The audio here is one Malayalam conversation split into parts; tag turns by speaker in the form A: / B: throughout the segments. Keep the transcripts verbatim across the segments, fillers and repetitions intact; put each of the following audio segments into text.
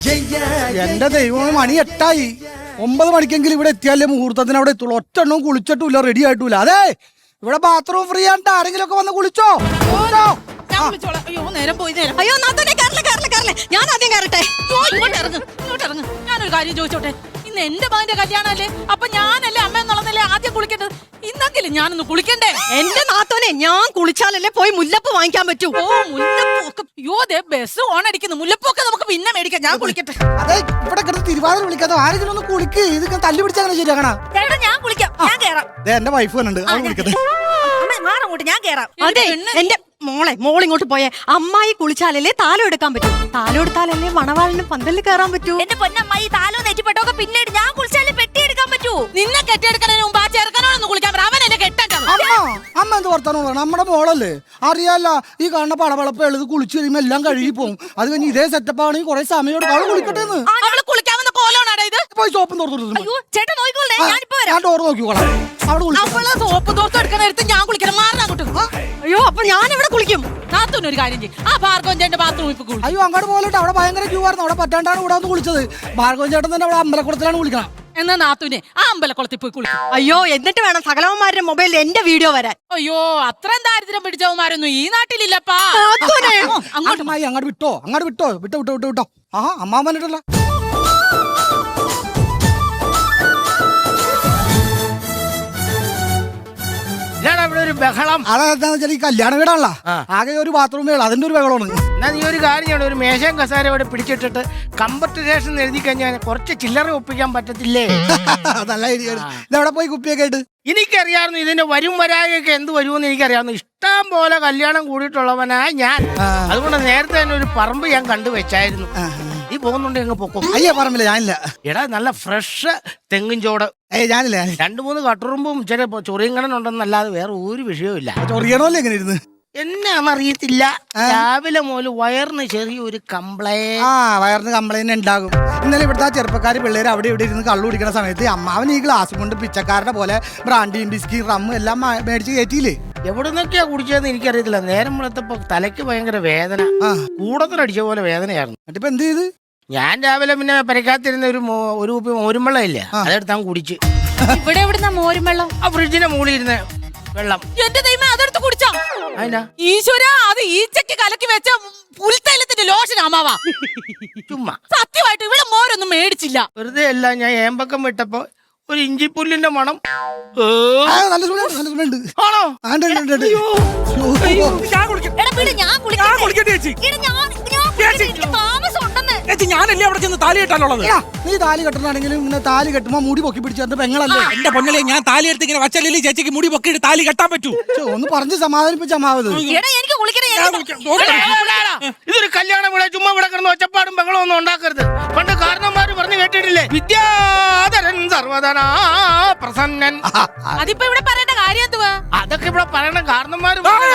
A: എന്റെ ദൈവം മണി എട്ടായി. ഒമ്പത് മണിക്കെങ്കിലും ഇവിടെ എത്തിയാലേ മുഹൂർത്തത്തിന് അവിടെ എത്തുള്ളൂ. ഒറ്റ എണ്ണവും കുളിച്ചിട്ടില്ല, റെഡി ആയിട്ടില്ല. അതെ, ഇവിടെ ബാത്റൂം ഫ്രീ ആയിട്ട് ആരെങ്കിലും ഒക്കെ വന്ന് കുളിച്ചോ.
B: അയ്യോ നേരം പോയി നേരം. അയ്യോ നാത്തോനെ കയറില്ല കയറില്ല കയറില്ല, ഞാൻ ആദ്യം കയറട്ടെ. ഇങ്ങോട്ട് ഇറങ്ങ് ഇങ്ങോട്ട് ഇറങ്ങ്. ഞാനൊരു കാര്യം ചോദിച്ചോട്ടെ, ഇന്ന് എന്റെ മകന്റെ കല്യാണല്ലേ, അപ്പൊ ഞാനല്ലേ അമ്മ എന്നുള്ളതല്ലേ ആദ്യം കുളിക്കേണ്ടത്. ഇന്നെങ്കിലും ഞാനൊന്ന് കുളിക്കണ്ടേ? എന്റെ നാത്തോനെ ഞാൻ കുളിച്ചാലല്ലേ പോയി മുല്ലപ്പ് വാങ്ങിക്കാൻ പറ്റൂ. ഓ മുല്ലപ്പൊക്കെ, അയ്യോ ദേ ബസ് ഓണടിക്കുന്നു. മുല്ലപ്പൊക്കെ നമുക്ക് പിന്നെ മേടിക്കാം, ഞാൻ കുളിക്കട്ടെ.
A: അതെ, ഇവിടെ കിടന്ന് തിരുവാതിര വിളിക്കാതെ ആരെങ്കിലും ഒന്ന് കുളിക്ക്. ഇത് തല്ലി പിടിച്ചാൽ ശരിയാക്കണ.
B: ഞാൻ കുളിക്കാം, ഞാൻ കേറാം.
A: എന്റെ വൈഫ് വന്നുണ്ട്, അവൻ വിളിക്കട്ടെ.
B: മാറങ്ങോട്ട്, ഞാൻ കേറാം. അതെ എന്റെ മോളെ മോളിങ്ങോട്ട് പോയെ. അമ്മായി കുളിച്ചാലല്ലേ താലം എടുക്കാൻ പറ്റൂ. താലം എടുത്താലല്ലേ മണവാളിന് പന്തലിൽ കയറാൻ പറ്റൂ. എന്റെ പൊന്നമ്മായി താലോ നെറ്റിപ്പെട്ടൊക്കെ പിന്നീട് ഞാൻ കുളിച്ചാലേ പെട്ടി എടുക്കാൻ പറ്റൂ. നിന്നെ കെട്ടിയെടുക്കുന്നതിന് മുമ്പ് ആ ചെറുക്കനോടൊന്ന് കുളിക്കാൻ പറ, അവനല്ലേ കെട്ടേണ്ടത്.
A: അമ്മ അമ്മ എന്ത് വർത്താനം പറയണം? നമ്മുടെ മോളല്ലേ, അറിയാല്ല. ഈ കാണുന്ന പടവളപ്പ് എഴുതി കുളിച്ച് കഴിയുമ്പോൾ എല്ലാം കഴുകി പോകും. അത് കഴിഞ്ഞ് ഇതേ സെറ്റപ്പ് ആണെങ്കിൽ കുറെ സമയം എടുക്കും. അവള് കുളിക്കട്ടെ.
B: അവള് കുളിക്കാവുന്ന കോലോണാണ് ഇത്.
A: പോയി സോപ്പും തോർത്തു.
B: ചേട്ടൻ നോക്കിക്കോളേ, ഞാനിപ്പോ
A: ഞാൻ ഡോർ നോക്കിക്കോളാം.
B: അവള് സോപ്പ് തോർത്ത് എടുക്കുന്ന എടുത്ത് ഞാൻ കുളിക്കണം. മാറാൻ അങ്ങോട്ട്. അയ്യോ അപ്പൊ ഞാൻ എവിടെ കുളിക്കും? നാത്തൂനൊരു കാര്യം ചെയ്യും, ആ ഭാർഗവൻ ചേട്ടന്റെ ബാത്റൂമിൽ ഇപ്പൊ കുളിക്കും.
A: അയ്യോ അങ്ങോട്ട് പോകട്ടെ, അവിടെ ഭയങ്കര ക്യൂ ആയിരുന്നു. അവിടെ പറ്റാണ്ടാണ് ഇവിടെ വന്ന് കുളിച്ചത്. ഭാർഗവൻ ചേട്ടൻ തന്നെ അവിടെ അമ്പലക്കുളത്തിലാണ് കുളിക്കണം.
B: എന്നാ നാത്തൂനെ ആ അമ്പലക്കുളത്തിൽ പോയി കുളിക്കും. അയ്യോ എന്നിട്ട് വേണം സകലവന്മാരുടെ മൊബൈലിൽ എന്റെ വീഡിയോ വരാൻ. അയ്യോ അത്രയും ദാരിദ്ര്യം പിടിച്ചവന്മാരൊന്നും ഈ നാട്ടിലില്ലപ്പാ.
A: അങ്ങോട്ട് മായി അങ്ങോട്ട് വിട്ടോ, അങ്ങോട്ട് വിട്ടോ, വിട്ടോ വിട്ടോ വിട്ടോ വിട്ടോ. ആ അമ്മാവൻ വന്നിട്ടല്ല.
C: ഒരു ബഹളം.
A: അതെന്താന്ന് വെച്ചാൽ ഈ കല്യാണ വീടാണല്ലോ, ആകെ ഒരു ബാത്റൂം വീട്, അതിന്റെ ഒരു ബഹളമാണ്.
C: എന്നാ നീ ഒരു കാര്യം ചെയ്യണം, ഒരു മേശയും കസാര ഇവിടെ പിടിച്ചിട്ടിട്ട് കമ്പർട്ടേഷൻ എഴുതി കഴിഞ്ഞാൽ കുറച്ച് ചില്ലറ ഒപ്പിക്കാൻ പറ്റത്തില്ലേ?
A: നല്ല ഐഡിയ. ഇതെവിടെ പോയി കുപ്പിയൊക്കെ ആയിട്ട്?
C: എനിക്കറിയാവുന്നു ഇതിന്റെ വരും വരായൊക്കെ എന്ത് വരുമെന്ന് എനിക്കറിയാവുന്നു. ഇഷ്ടം പോലെ കല്യാണം കൂടിയിട്ടുള്ളവനായി ഞാൻ. അതുകൊണ്ട് നേരത്തെ തന്നെ ഒരു പറമ്പ് ഞാൻ കണ്ടുവച്ചായിരുന്നു. നീ പോകുന്നുണ്ട് എങ്ങ് പൊക്കോ.
A: അയ്യ പറമ്പില്ല, ഞാനില്ല.
C: എടാ നല്ല ഫ്രഷ് തെങ്ങിൻ ചോട്.
A: ഏയ് ഞാനില്ല.
C: രണ്ടു മൂന്ന് കട്ടുറുമ്പും ചില ചൊറിയങ്കണനുണ്ടെന്നല്ലാതെ വേറെ ഒരു വിഷയവും
A: ചൊറിയണമല്ലേ എങ്ങനെ ഇരുന്ന്?
C: എന്നാന്നറിയത്തില്ല, രാവിലെ മുതൽ വയറിന് ചെറിയൊരു കംപ്ലൈന്റ്.
A: ആ വയറിന് കംപ്ലൈന്റ് ഉണ്ടാകും. ഇന്നലെ ഇവിടുത്തെ ആ ചെറുപ്പക്കാർ പിള്ളേർ അവിടെ ഇവിടെ ഇരുന്ന് കള്ളു കുടിക്കുന്ന സമയത്ത് അമ്മാവൻ ഈ ഗ്ലാസ് കൊണ്ട് പിച്ചക്കാരുടെ പോലെ ബ്രാൻഡിയും ബിസ്കി റമ്മ് എല്ലാം മേടിച്ച് കയറ്റിയില്ലേ.
C: എവിടെ നിന്നൊക്കെയാ കുടിച്ചതെന്ന് എനിക്കറിയത്തില്ല. നേരം വെളുത്തപ്പോ തലയ്ക്ക് ഭയങ്കര വേദന, കൂടത്തിനടിച്ച പോലെ വേദനയായിരുന്നു.
A: എന്നിട്ടിപ്പോ എന്ത് ചെയ്ത്?
C: ഞാൻ രാവിലെ പിന്നെ പരിക്കാത്തിരുന്ന ഒരു ഒരു കുപ്പി മോരുമ്പെള്ളം ഇല്ലേ, അതെടുത്ത് അങ്ങ് കുടിച്ച്.
B: ഇവിടെ എവിടുന്ന മോരും വെള്ളം?
C: ആ ഫ്രിഡ്ജിന്റെ മുകളിൽ ഇരുന്ന വെള്ളം.
B: എന്റെ ദൈവമേ, അതെടുത്ത് കുടിച്ചോ? ഈശ്വര, അത് ഈച്ചക്ക് കലക്കി വെച്ച പുൽത്തൈലത്തിന്റെ ലോഷൻ അമ്മാവാ.
C: ചുമ്മാ
B: സത്യമായിട്ട് ഇവിടെ മോരൊന്നും മേടിച്ചില്ല.
C: വെറുതെ അല്ല, ഞാൻ ഏമ്പക്കം വിട്ടപ്പോ ഒരു ഇഞ്ചിപ്പുല്ലിന്റെ മണം.
A: നല്ല സുഖമുണ്ട്.
C: ആണോ?
D: ഞാനല്ലേ അവിടെ ചെന്ന് താലി കെട്ടാനുള്ളത്.
A: നീ താലി കെട്ടണമെങ്കിലും ഇങ്ങനെ താലി കെട്ടുമ്പോ മുടി പൊക്കി പിടിച്ചു പെങ്ങളല്ലേ.
D: എന്റെ പൊന്നലെ, ഞാൻ താലി എടുത്ത് ഇങ്ങനെ വച്ചല്ലേ ചേച്ചിക്ക് മുടി പൊക്കിയിട്ട് താലി കെട്ടാൻ പറ്റൂ.
A: ഒന്ന് പറഞ്ഞ് സമാധാനിപ്പിച്ച അമ്മാവത്.
C: ഇതൊരു കല്യാണം ഇവിടെ ചുമ്മാ ഇവിടെ കിടന്ന് ഒച്ചപ്പാടും ബഹളം ഒന്നും ഉണ്ടാക്കരുത്. പണ്ട് കാരണന്മാര് പറഞ്ഞു കേട്ടിട്ടില്ലേ, വിദ്യാധരൻ സർവ്വധനാ പ്രസന്നൻ.
B: അതിപ്പോ ഇവിടെ പറയേണ്ട കാര്യം എന്തുവാ?
C: അതൊക്കെ ഇവിടെ പറയണ കാരണന്മാര്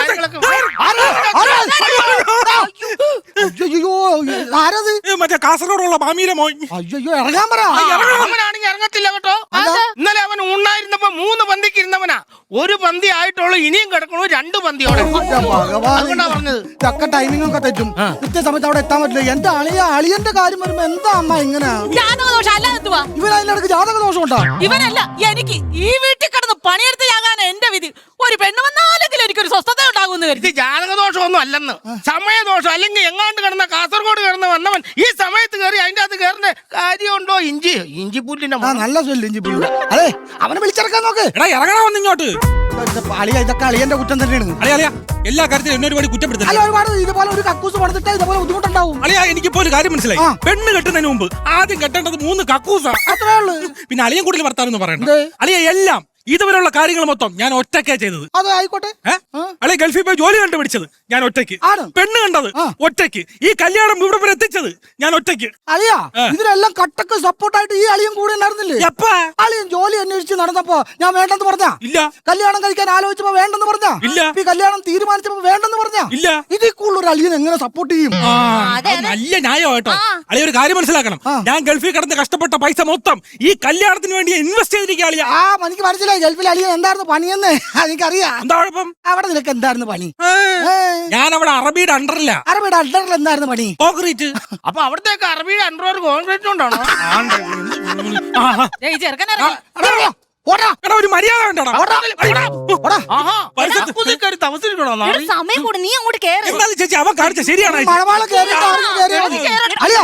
D: മറ്റേ കാസർഗോഡുള്ള മാമീര മോൻ.
A: അയ്യോ ഇറങ്ങാൻ പറ.
C: അവനാണെങ്കിൽ ഇറങ്ങത്തില്ല കേട്ടോ. ഇന്നലെ അവൻ ഉണ്ണായിരുന്നപ്പോ മൂന്ന് പന്തിക്ക് ഇരുന്നവനാ. ഒരു പന്തി ആയിട്ടുള്ളൂ, ഇനിയും കിടക്കണു രണ്ട് പന്തിയോടെ. പറഞ്ഞത്
A: ചക്ക ടൈമിംഗ് ഒക്കെ തെറ്റും. കൃത്യസമയത്ത് അവിടെ എത്താൻ പറ്റില്ല. എന്റെ അളിയ അളിയന്റെ കാര്യം വരുമ്പോ എന്താ അമ്മ ഇങ്ങനെ?
B: ഇവൻ
A: അതിനിടക്ക് ജാതക ദോഷം ഉണ്ടോ?
B: ഇവനല്ല, എനിക്ക് ഈ വീട്ടിൽ കിടന്ന് പണിയെടുത്ത് ഞാനാണ് എന്റെ വിധി. ഒരു പെണ്ണ് വന്നാലെങ്കിലും എനിക്കൊരു സ്വസ്ഥത ഉണ്ടാകുമെന്ന് കരുതി.
C: ജാതക ദോഷമൊന്നും അല്ലെന്ന്, സമയദോഷം. അല്ലെങ്കിൽ എങ്ങാണ്ട് കിടന്ന കാസർഗോഡ് കിടന്ന് വന്നവൻ ഈ സമയത്ത് കയറി അതിന്റെ അകത്ത് കയറുന്ന കാര്യമുണ്ടോ? ഇഞ്ചി ഇഞ്ചി പുല്ലിന്റെ
A: നല്ല സ്വല്ല് ഇഞ്ചി പുല്ല്. അതെ, അവനെ വിളിച്ചിറക്കാൻ നോക്ക്.
D: എടാ ഇറങ്ങണമെന്ന് ഇങ്ങോട്ട്.
A: അളിയ ഇതൊക്കെ അളിയന്റെ കുറ്റം തന്നെയാണ്.
D: അളിയ അളിയ എല്ലാ കാര്യത്തിലും എന്നെ ഒരുപാട് കുറ്റപ്പെടുത്തില്ല.
A: അല്ല, ഒരുപാട് ഇതുപോലെ ഒരു കക്കൂസ് പണിതിട്ട് ഇതുപോലെ ബുദ്ധിമുട്ടുണ്ടാവും.
D: അളിയ എനിക്കിപ്പോ ഒരു കാര്യം മനസ്സിലായി. പെണ്ണ് കെട്ടുന്നതിന് മുമ്പ് ആദ്യം കെട്ടേണ്ടത് മൂന്ന് കക്കൂസാ.
A: അത്രേ ഉള്ളൂ.
D: പിന്നെ അളിയൻ കൂടുതൽ വർത്താനം പറയണ്ട. അളിയ എല്ലാം ഇതുവരെയുള്ള കാര്യങ്ങൾ മൊത്തം ഞാൻ ഒറ്റയ്ക്കാ ചെയ്തത്.
A: അതെ ആയിക്കോട്ടെ.
D: അല്ലെ ഗൾഫിൽ പോയി ജോലി കണ്ടുപിടിച്ചത് ഞാൻ ഒറ്റയ്ക്ക്, പെണ്ണ് കണ്ടത് ഒറ്റയ്ക്ക്, ഈ കല്യാണം ഇവിടെ വരെ എത്തിച്ചത് ഞാൻ ഒറ്റയ്ക്ക്.
A: അളിയാ, ഇതിനെല്ലാം കട്ടക്ക് സപ്പോർട്ടായിട്ട് ഈ അളിയും കൂടെ ഉണ്ടായിരുന്നില്ലേ? അളിയൻ ജോലി അന്വേഷിച്ച് നടന്നപ്പോ ഞാൻ വേണ്ടെന്ന് പറഞ്ഞ ഇല്ല. കല്യാണം കഴിക്കാൻ ആലോചിച്ചപ്പോ വേണ്ടെന്ന് പറഞ്ഞ ഇല്ല. ഈ കല്യാണം തീരുമാനിച്ചപ്പോ വേണ്ടെന്ന് പറഞ്ഞ ഇല്ല. ഇതിൽ കൂടുതൽ ഒരു അളിയൻ എങ്ങനെ സപ്പോർട്ട് ചെയ്യും?
D: നല്ല ന്യായം കേട്ടോ. അളിയ ഒരു കാര്യം മനസ്സിലാക്കണം, ഞാൻ ഗൾഫിൽ കിടന്ന് കഷ്ടപ്പെട്ട പൈസ മൊത്തം ഈ കല്യാണത്തിന് വേണ്ടി ഇൻവെസ്റ്റ് ചെയ്തിരിക്കുക. അളിയ
A: ആ എനിക്ക് മനസ്സിലായി. ഗൾഫിൽ അളിയൻ എന്തായിരുന്നു പണിയെന്ന് എനിക്കറിയാം.
D: എന്താ കുഴപ്പം?
A: അവിടെ നിനക്ക് എന്തായിരുന്നു പണി?
D: ഞാൻ അവിടെ അറബിയുടെ അണ്ടറില്ല.
A: അറബിയുടെ അണ്ടറിൽ എന്തായിരുന്നു പണി?
D: കോൺക്രീറ്റ്.
C: അപ്പൊ അവിടത്തേക്ക് അറബിയുടെ അണ്ടർ കോൺക്രീറ്റ് കൊണ്ടാണോ?
B: ദേ, ഈ ചെറുക്കൻ ഇറങ്ങി.
A: ഓടാ
D: എടാ ഒരു മര്യാദ വേണ്ടടാ.
A: ഓടാ.
C: താമസിക്കണോ?
B: എടാ, സമയം കൂടി നീ അങ്ങോട്ട് കേറ്.
D: എന്നാ ചേച്ചി അവൻ കാണിച്ച ശരിയാണ്.
A: മഴവാള കേറിയിട്ട് ആരെങ്കിലും കേറിയാ മതി. അളിയാ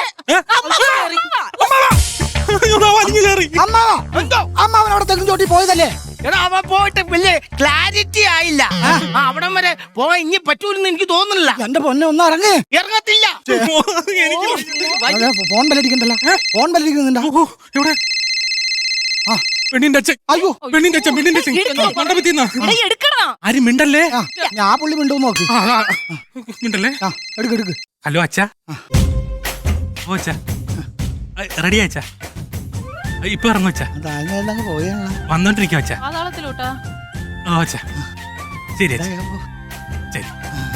A: അമ്മാവാ അമ്മാവൻ അവിടെ തെങ്ങും ചോട്ടി പോയതല്ലേ?
C: എടാ അവൻ പോയിട്ട് വലിയ ക്ലാരിറ്റി ആയില്ല. ആ, അവിടം വരെ പോവാൻ ഇനി പറ്റൂലെന്ന് എനിക്ക് തോന്നുന്നില്ല.
A: എന്റെ പൊന്നെ ഒന്ന് ഇറങ്ങ്.
C: ഇറങ്ങത്തില്ല.
A: അതെ, ഫോൺ ബെല്ലടിക്കണ്ടല്ലോ. ഫോൺ ബെല്ലടിക്കുന്നുണ്ടാ?
D: ഇവിടെ
A: ആ
D: പെണ്ണിന്റെ അച്ഛൻ.
A: അയ്യോ
D: പെണ്ണിന്റെ അച്ഛൻ പെണ്ണിന്റെ അച്ഛൻ മണ്ഡപത്തിന്നാ.
B: എടാ, എടുക്കണോ?
D: ആരും മിണ്ടല്ലേ.
A: ആ, ഞാൻ പുള്ളി മിണ്ടു നോക്ക്.
D: ആ, ആ, മിണ്ടല്ലേ.
A: ആ എടുക്ക് എടുക്ക്.
D: ഹലോ അച്ഛാ. ഓ അച്ഛാ റെഡി അച്ഛാ. ഇപ്പൊ ഇറങ്ങും അച്ഛാ.
A: അതങ്ങ് പോയാണ്.
D: വന്നോണ്ടിരിക്കും അച്ഛാ.
B: പാതാളത്തിലോട്ടാ.
D: ഓ അച്ഛാ ശരി അച്ഛാ ശരി.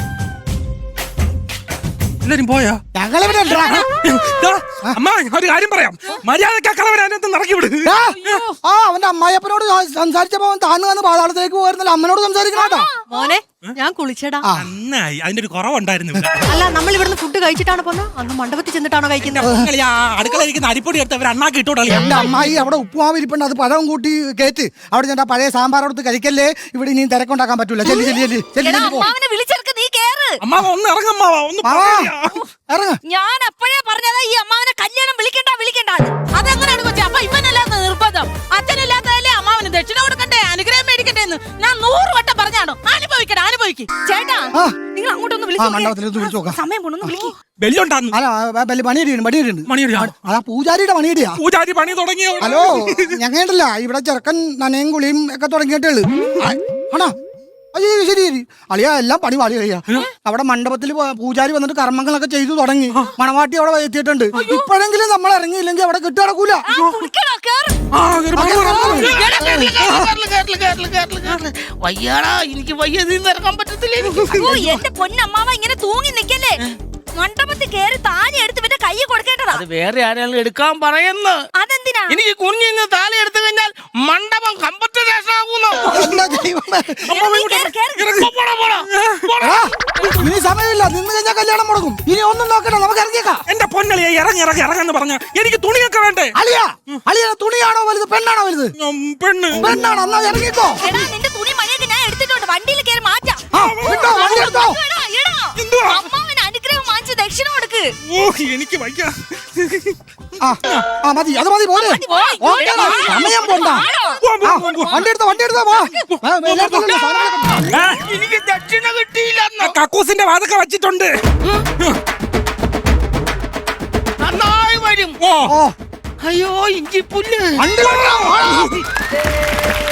D: എല്ലാരും പോയോ?
A: ഞങ്ങളിവിടെ ഉണ്ടെടാ.
D: ദാ, അമ്മ ഒരു കാര്യം പറയാം. മര്യാദക്കാ കളവരാനത്ത് നടക്കി വിട്.
A: ആ, ആ അവന്റെ അമ്മായിയപ്പനോട് സംസാരിച്ചപ്പോ അവൻ താന്നു വന്ന് പാതാളത്തിലേക്ക് പോയിരുന്നില്ല. അമ്മനോട് സംസാരിക്കണോട്ടോ.
E: മോനെ ഞാൻ കുളിച്ചടാ.
D: നന്നായി. അതിന്റെ ഒരു കുറവുണ്ടായിരുന്നു ഇവിടെ.
E: അല്ല നമ്മൾ ഇവിടുന്ന് ഫുഡ് കഴിച്ചിട്ടാണ് പോന്നെ? അന്ന് മണ്ഡപത്തിൽ ചെന്നിട്ടാണോ കഴിക്കുന്നത്?
D: നിങ്ങൾ ആ അടുക്കള ഇരിക്കുന്ന അരിപ്പൊടി എടുത്ത് അവർ അണ്ണാക്കി ഇട്ടോളി.
A: എന്റെ അമ്മായി അവിടെ ഉപ്പുമാവ് ഇരിപ്പുണ്ട്, അത് പഴം കൂട്ടി കേറ്റ്. അവിടെ ഞാൻ പഴയ സാമ്പാറെടുത്ത് കഴിക്കല്ലേ. ഇവിടെ ഇനിയും തിരക്കുണ്ടാക്കാൻ പറ്റൂല. ചെല്ലി ചെല്ലി ചെല്ലി ചെല്ലി
B: എടാ,
A: ചെല്ലി പോ.
B: അമ്മാവനെ വിളിച്ചെടുക്ക്, നീ കേറ്.
D: അമ്മാവ ഒന്ന് ഇറങ്ങമ്മാവ ഒന്ന്
A: മാവാ,
D: പറയാ.
A: ഇറങ്ങ്.
B: ഞാൻ അപ്പോഴേ പറഞ്ഞതാ ഈ അമ്മാവനെ കല്യാണം വിളിക്കണ്ട വിളിക്കണ്ട. അതെങ്ങനെയാണ് കൊച്ചി? അപ്പൊ ഇവനല്ലാത്ത നിർബന്ധം. അച്ഛനില്ലാത്തതല്ലേ അമ്മാവന് ദക്ഷിണ കൊടുക്കണ്ടേ, അനുഗ്രഹം മേടിക്കട്ടെ എന്ന് ഞാൻ നൂറ് വട്ടം പറഞ്ഞാണോ? അനുഭവിക്കട്ടെ, അനുഭവിക്കും. ചേട്ടാ,
A: ആ.
B: നിങ്ങൾ അങ്ങോട്ടൊന്ന്
A: ആ
B: വിളിച്ചു.
A: മണ്ഡപത്തിലേക്ക് വിളിച്ചു നോക്കാം.
B: സമയം കൊണ്ടൊന്ന് വിളിക്കും.
D: ബെല്ലുണ്ടാന്ന്.
A: അല്ല വലിയ പണിയടിയുണ്ട് പണിയടിയുണ്ട്.
D: മണിയടിയാ?
A: അതാ പൂജാരിയുടെ പണിയടിയാ.
D: പൂജാരി പണി തുടങ്ങിയോ?
A: ഹലോ ഞങ്ങണ്ടല്ല ഇവിടെ ചെറുക്കൻ നനയും കുളിയും ഒക്കെ തുടങ്ങിയിട്ടേള്. ആണോ? അയ്യോ ശരി ശരി അളിയാ എല്ലാം പണി പാടി കഴിയാ. അവിടെ മണ്ഡപത്തിൽ പൂജാരി വന്നിട്ട് കർമ്മങ്ങളൊക്കെ ചെയ്തു തുടങ്ങി. മണവാട്ടി അവിടെ എത്തിയിട്ടുണ്ട്. ഇപ്പോഴെങ്കിലും നമ്മൾ ഇറങ്ങിയില്ലെങ്കിൽ അവിടെ കിട്ടു കിടക്കൂല.
B: ആ, കുളിക്കണോ? കേറ്.
D: ആ, കേറി പോ, കേറി പോ.
C: വയ്യാടാ, എനിക്ക് വയ്യ, നിന്ന് ഇറങ്ങാൻ പറ്റത്തില്ല എനിക്ക്.
B: ഓ, എന്റെ പൊന്നമ്മാവ ഇങ്ങനെ തൂങ്ങി നിക്കല്ലേ. മണ്ഡപത്തിൽ കേറി താലി എടുത്ത് ഇവന്റെ കൈ കൊടുക്കേണ്ടതാ.
C: അത് വേറെ ആരെങ്കിലും എടുക്കാൻ പറയുന്നു.
B: അതെന്തിനാ?
C: എനിക്ക് കുഞ്ഞിന്ന് താലി എടുത്തു കഴിഞ്ഞാൽ മണ്ഡപം കമ്പത്ത് ശേഷമാകുന്നു.
A: എന്താ ദൈവമേ.
B: നീ കേറ്, കേറ്.
C: പോടാ, പോടാ.
A: എടാ, ഇനി സമയമില്ല. നിന്ന് കഴിഞ്ഞാൽ കല്യാണം മുടങ്ങും. ഇനി ഒന്നും നോക്കണ്ട, നമുക്ക് ഇറങ്ങിയേക്കാം.
D: എന്റെ പൊന്നളിയെ ഇറങ്ങി ഇറങ്ങി ഇറങ്ങാന്ന് പറഞ്ഞ എനിക്ക് തുണിയൊക്കെ വേണ്ടേ?
A: അളിയാ അളിയ തുണിയാണോ വലുത് പെണ്ണാണോ വലുത്?
D: ഉം, പെണ്ണ്.
A: പെണ്ണാണോ? എന്നാ ഇറങ്ങിക്കോ.
B: എടാ, നിന്റെ തുണി മണിയൊക്കെ ഞാൻ എടുത്തിട്ടുണ്ട്. വണ്ടിയിൽ കേറി മാറ്റാം.
A: ആ വിട്ടോ വണ്ടി എടുത്തോ.
B: എടാ, എടാ.
D: എന്തുവാ?
B: അമ്മാവന് അനുഗ്രഹം വാങ്ങിച്ച് ദക്ഷിണ കൊടുക്ക്.
D: ഓ എനിക്ക് വയ്യ.
A: ആ ആ മതി അത് മതി പോലെ.
B: മതി, പോയി.
A: ഓക്കേടാ, സമയം പോണ്ട.
D: പോ, പോ,
A: ആ,
D: പോ, പോ.
A: വണ്ടി എടുത്തോ വണ്ടി എടുത്തോ. വാ. ആ, എല്ലായിടത്തും ഉള്ള സാധനങ്ങളൊക്കെ.
D: ആ,
C: എനിക്ക് ദക്ഷിണ കിട്ടിയില്ല.
D: ആ കക്കൂസിന്റെ വാതൊക്കെ വച്ചിട്ടുണ്ട്.
C: നന്നായി വരും.
D: ഓ
A: ഓ
C: അയ്യോ ഇഞ്ചി പുല്ല്.
A: വണ്ടി കൊണ്ടുവാ, വാ.